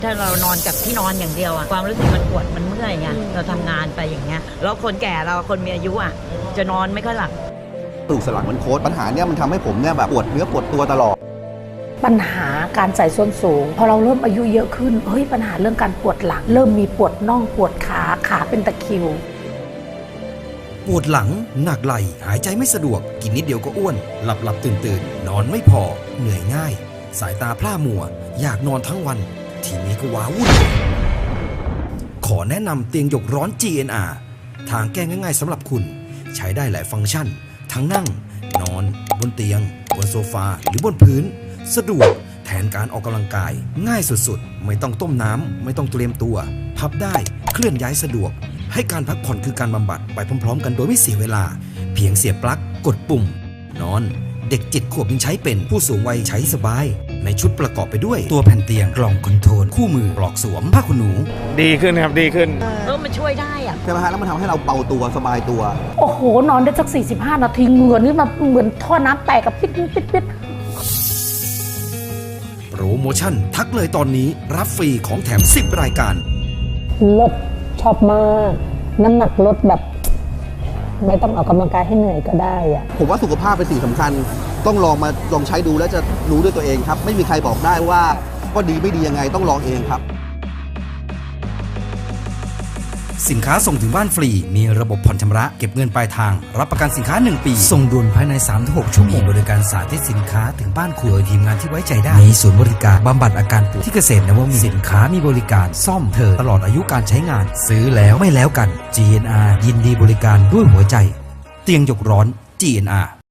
ถ้าเรานอนกับที่นอนอย่างเดียวอะความรู้สึกมันปวดมันเมื่อยไงเราทำงานไปอย่างเงี้ยแล้วคนแก่เราคนมีอายุอะจะนอนไม่ค่อยหลับกระดูกสันหลังมันโค้ดปัญหาเนี้ยมันทำให้ผมเนี่ยแบบปวดเนื้อปวดตัวตลอดปัญหาการใส่ส้นสูงพอเราเริ่มอายุเยอะขึ้นปัญหาเรื่องการปวดหลังเริ่มมีปวดน่องปวดขาเป็นตะคริวปวดหลังหนักไหล่หายใจไม่สะดวกกินนิดเดียวก็อ้วนหลับตื่นนอนไม่พอเหนื่อยง่ายสายตาพร่ามัวอยากนอนทั้งวันทีนี้ก็ว้าวุ่นขอแนะนำเตียงหยกร้อน GNR ทางแก้ง่ายๆสำหรับคุณใช้ได้หลายฟังก์ชันทั้งนั่งนอนบนเตียงบนโซฟาหรือบนพื้นสะดวกแทนการออกกำลังกายง่ายสุดๆไม่ต้องต้มน้ำไม่ต้องเตรียมตัวพับได้เคลื่อนย้ายสะดวกให้การพักผ่อนคือการบำบัดไปพร้อมๆกันโดยไม่เสียเวลาเพียงเสียบปลั๊กกดปุ่มนอนเด็ก7 ขวบยังใช้เป็นผู้สูงวัยใช้สบายในชุดประกอบไปด้วยตัวแผ่นเตียงกล่องคอนโทรลคู่มือปลอกสวมผ้าขนหนูดีขึ้นครับดีขึ้นมันช่วยได้อะใช่ไหมฮะแล้วมันทำให้เราเบาตัวสบายตัวนอนได้สัก45 นาทีเหงื่อนี่มันเหมือนท่อน้ำแตกกับปิดโปรโมชั่นทักเลยตอนนี้รับฟรีของแถม10 รายการลดชอบมากน้ำหนักลดแบบไม่ต้องออกกำลังกายให้เหนื่อยก็ได้อะผมว่าสุขภาพเป็นสิ่งสำคัญต้องลองใช้ดูแล้วจะรู้ด้วยตัวเองครับไม่มีใครบอกได้ว่าก็ดีไม่ดียังไงต้องลองเองครับสินค้าส่งถึงบ้านฟรีมีระบบผ่อนชำระเก็บเงินปลายทางรับประกันสินค้า1 ปีส่งด่วนภายใน 3-6 ชั่วโมงบริการสาธิตสินค้าถึงบ้านคุณโดยทีมงานที่ไว้ใจได้มีศูนย์บริการบำบัดอาการปวดที่เกษตรนวมินทร์สินค้ามีบริการซ่อมเธอตลอดอายุการใช้งานซื้อแล้วไม่แล้วกัน GNR ยินดีบริการด้วยหัวใจเตียงหยกร้อน GNR